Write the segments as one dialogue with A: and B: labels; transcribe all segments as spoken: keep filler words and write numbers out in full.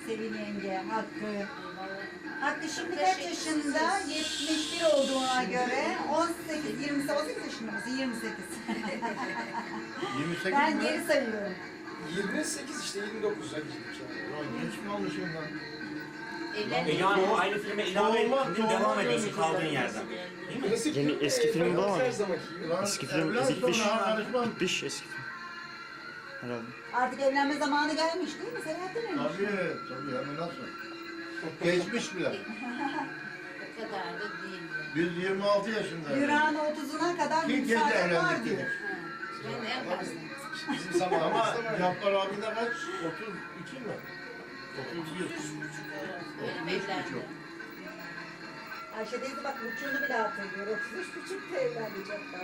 A: Sevil yenge, Hakkı. Hakkı şimdi kaç yaşında? yetmiş bir olduğuna göre on sekiz, yirmi sekiz, on sekiz yaşında mısın? yirmi sekiz.
B: yirmi sekiz
A: Ben
B: mi?
A: geri sayıyorum.
C: yirmi sekiz işte yirmi dokuza girdik yani.
B: Ulan genç mi olmuşum lan?
D: E yani o aynı filme ilave
B: Doğma-
D: ettin,
B: doğma
D: devam ediyorsun
B: dönüşü
D: kaldığın
B: yani.
D: yerden. Değil mi?
C: Klasik
E: Yeni
C: film,
E: eski
C: e,
E: filmi
C: Ferhat
E: bulamadım.
C: her zamanki gibi.
B: Lan
E: Eski film
B: evlen
E: bitmiş.
B: sonra karışmam.
E: Bitmiş eski film. Herhalde.
A: Artık evlenme zamanı gelmiş değil mi Selahattin Emre?
B: Tabii tabii hemen nasıl? Geçmiş bile.
F: O kadar da değil.
B: Biz yirmi altı yaşındayız.
A: Yüreğin otuzuna kadar
B: Kim kendi
A: müsaade var
B: evlendik
A: diyor.
B: dedik.
F: Ben en fazla.
C: Bizim zamanımızda
B: Ama
C: var.
B: Cappar abi de kaç? otuz iki mi? otuz bir.
F: Benim evlendim.
A: Ayşe teyze bak buçuğunu bile hatırlıyor. otuz üç buçukta evlenecekler.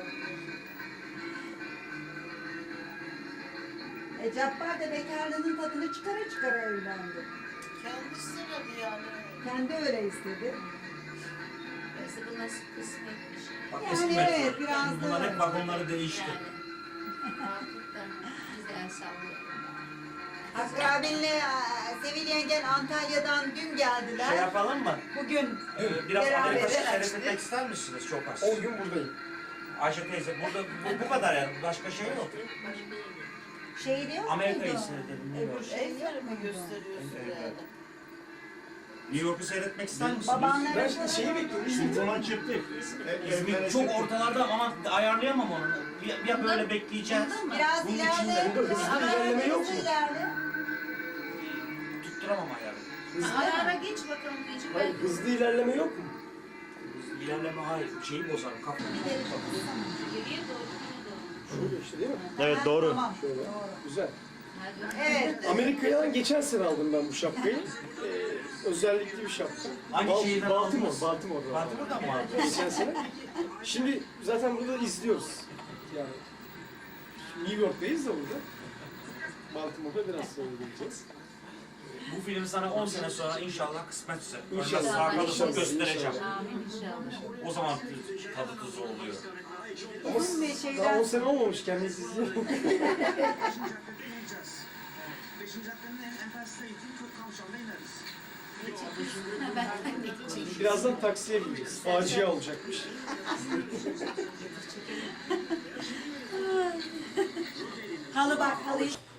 A: E Cappar da bekarlığının tadını çıkara çıkara evlendi.
F: Kendisi söyledi yani.
A: Kendi öyle istedi.
F: Neyse bu nasıl kısmetmiş.
D: Bak
A: Yani
D: eski
A: evet,
D: metro.
A: biraz
D: Şimdi
A: da-
D: bunların hep vagonları değişti.
F: Yani. Hakikaten güzel sallıyor.
A: Hakkı abinle e, Sevil yengen Antalya'dan dün geldiler.
D: Şey yapalım mı?
A: Bugün
D: Ee, biraz
A: Beraber
D: Amerika
A: açtık.
D: seyretmek ister misiniz? Çok az.
C: on gün buradayım.
D: Ayşe teyze burada bu, bu kadar yani. Başka şey yok.
A: şey diyor
D: Amerika'yı
A: muydu?
D: seyredelim,
A: Öbür
D: bilmiyorum.
A: şey yok
F: Evlerimi
A: muydu?
F: gösteriyorsun yani.
D: New York'u seyretmek ister misiniz?
A: Babanlara
C: Ben şimdi şeyi bekliyorum.
B: İzmir'den çıktık.
D: İzmir çok ortalarda ama ayarlayamam onu. Bir, bir böyle bekleyeceğiz.
A: Biraz
D: Bunun
A: ileride.
D: içinde-
C: Burada hızlı
A: Ama
C: ilerleme yok
A: hızlı
C: mu?
A: ilerle.
D: Tutturamam ayarı.
F: Ara ara geç bakalım diyeceğim.
C: Hayır, hızlı ilerleme yok mu?
D: İlerleme hayır. Şeyi bozarım kafamı.
F: Geriye doğru yine doğru.
C: Şöyle işte değil mi?
E: Evet
A: Ha,
E: doğru.
A: Tamam.
C: Şöyle.
A: Doğru.
C: Güzel.
F: Hadi.
A: Evet.
C: Amerika'dan geçen sene aldım ben bu şapkayı. Ee, özellikli bir şapka.
D: Hangi
C: Bal-
D: şehirden
C: Baltimore,
D: aldınız?
C: Baltimore'da.
D: Baltimore'dan mı aldın?
C: Geçen sene. Şimdi zaten burada izliyoruz. Yani New York'tayız da burada. Baltimore'da biraz sonra geleceğiz.
D: Bu film sana on sene sonra inşallah kısmetse.
C: İnşallah,
D: Önce sağ kalırsın
C: inşallah,
D: göstereceğim.
C: inşallah.
F: Amin inşallah.
D: O zaman tadı tuzu oluyor.
C: Ama
A: Bizim bir
C: daha
A: şeyler...
C: on sene olmamış kendisi izliyor.
F: Ha, ben de gideceğim.
C: Birazdan taksiye bineceğiz. Facia olacakmış.
A: Halı bak, halı